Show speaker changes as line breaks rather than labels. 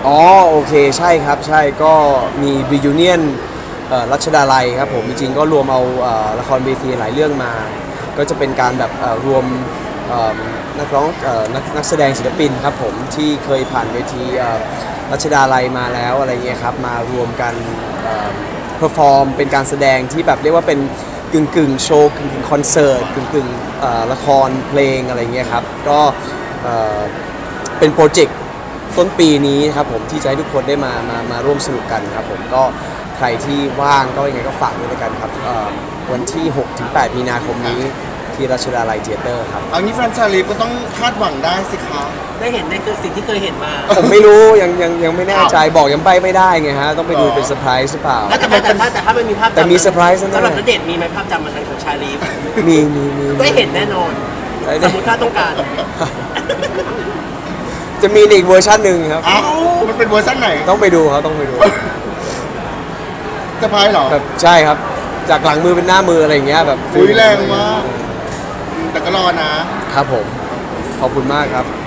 อ๋อโอเคใช่ครับใช่ก็มี reunion รัชดาลัยครับผมจริงๆก็รวมเอาละครเวทีหลายเรื่องมาก็จะเป็นการแบบรวมเอ่อนักร้องนักแสดงศิลปินครับผมที่เคยผ่านเวทีรัชดาลัยมาแล้วอะไรเงี้ยครับมารวมกันเพอร์ฟอร์มเป็นการแสดงที่แบบเรียกว่าเป็นกึ่งโชว์กึ่งคอนเสิร์ตกึ่งละครเพลงอะไรเงี้ยครับก็เอ่อเป็นโปรเจกต์ต้นปีนี้ครับผมที่จะให้ทุกคนได้มาร่วมสนุกกันครับผมก็ใครที่ว่างก็ยังไงก็ฝากด้วยกันครับวันที่ 6-8 มีนาคมนี้ที่รัชดาลัยเธียเตอร์ครับ
เอางี้แฟนชาลีฟก็ต้องคาดหวังได้สิคะ
ได้เห็นในสิ่งที่เคยเห็นมา
ผมไม่รู้ยังไม่แน่ใจบอกยังไปไม่ได้ไงฮะต้องไปดูเป็นเซอร์ไพรส์หรือเปล่า
แต่ถ้ามันมีภาพจำ
แต่มีเซอร์ไพรส์นะ
สำหรับณเดชน์มีไหมภาพจำมันนั้นของชาลีฟ
มี
ได้เห็นแน่นอน สมมติถ้าต้องการ
จะมีอีกเวอร์ชันหนึ่งครับ
อ้าวมันเป็นเวอร์ชันไหน
ต้องไปดูครับต้องไปดู
จะพายเหรอ
แบบใช่ครับจากหลังมือเป็นหน้ามืออะไรอย่างเงี้ยแบบ
อุ้ยแรงมากแต่ก็รอนะ
ครับผมขอบคุณมากครับ